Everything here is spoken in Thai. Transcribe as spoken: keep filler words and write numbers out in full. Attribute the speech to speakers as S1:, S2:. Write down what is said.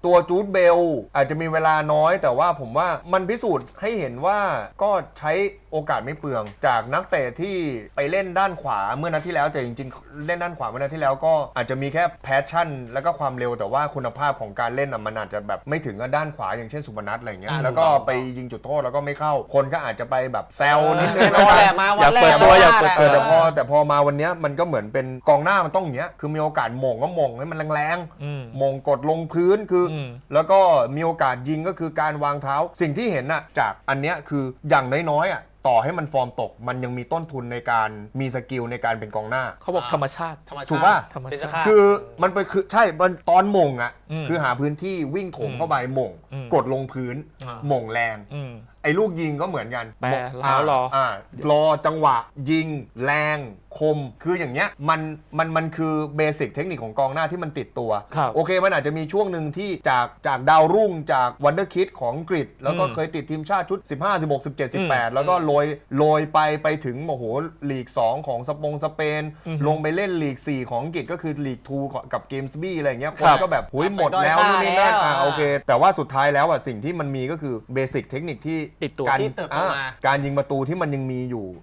S1: ตัวจูดเบลอาจจะมีเวลาน้อยแต่ว่าผมว่ามันพิสูจน์ให้เห็นว่าก็ใช้โอกาสไม่เปลืองจากนักเตะที่ไปเล่นด้านขวาเมื่อนัดที่แล้วแต่จริงๆเล่นด้านขวาเมื่อนัดที่แล้วก็อาจจะมีแค่แพชชั่นแล้วก็ความเร็วแต่ว่าคุณภาพของการเล่นมันอาจจะแบบไม่ถึงกับด้านขวาอย่างเช่นสุพนัทอะไรเงี้ยแล้วก็ไปยิงจุดโทษแล้วก็ไม่เข้าคนก็อาจจะไปแบบแซวนิดนึง
S2: วันแรกมาวันแรก
S1: อยากเปิดตัวแต่พอแต่พอมาวันนี้มันก็เหมือนเป็นกองหน้ามันต้องอย่างเงี้ยคือมีโอกาสหม่งก็หม่งให้มันแรงๆหม่งกดลงพื้นคือแล้วก็มีโอกาสยิงก็คือการวางเท้าสิ่งที่เห็นน่ะจากอันเนี้ยคืออย่างน้อยๆอ่ะต่อให้มันฟอร์มตกมันยังมีต้นทุนในการมีสกิลในการเป็นกองหน้า
S3: เขาบอกธรรมชาติ
S1: ถูกป่ะ
S3: ธรรมชาติ
S1: คือมันไปคือใช่มันตอนหม่งอ่ะคือหาพื้นที่วิ่งโถมเข้าไปหม่งกดลงพื้นหม่งแรงไอ้ลูกยิงก็เหมือนกัน
S3: แปรแล้วรออ่
S1: ารอจังหวะยิงแรงคมคืออย่างเงี้ยมันมันมันคือเบสิกเทคนิคของกองหน้าที่มันติดตัวโอเคมันอาจจะมีช่วงหนึ่งที่จากจากดาวรุ่งจากวันเดอร์คิดของอังกฤษแล้วก็เคยติดทีมชาติชุดสิบห้า สิบหก สิบเจ็ด สิบแปดแล้วก็โรยโรยไปไปถึงโอ้โหลีกสองของสปงสเปนลงไปเล่นลีกสี่ของอังกฤษก็คือลีกทูกับเกมส์บี้อะไรเงี้ยคนก็แบบหุยหมดแล้วนู่นนี่นั่นอ่าโอเคแต่ว่าสุดท้ายแล้วอ่ะสิ่งที่มันมีก็คือเบสิกเทคนิคที่
S3: ติดตัว
S1: การ
S2: ที่เติบโตมา
S1: การยิงประตูที่มันยังมีอยู่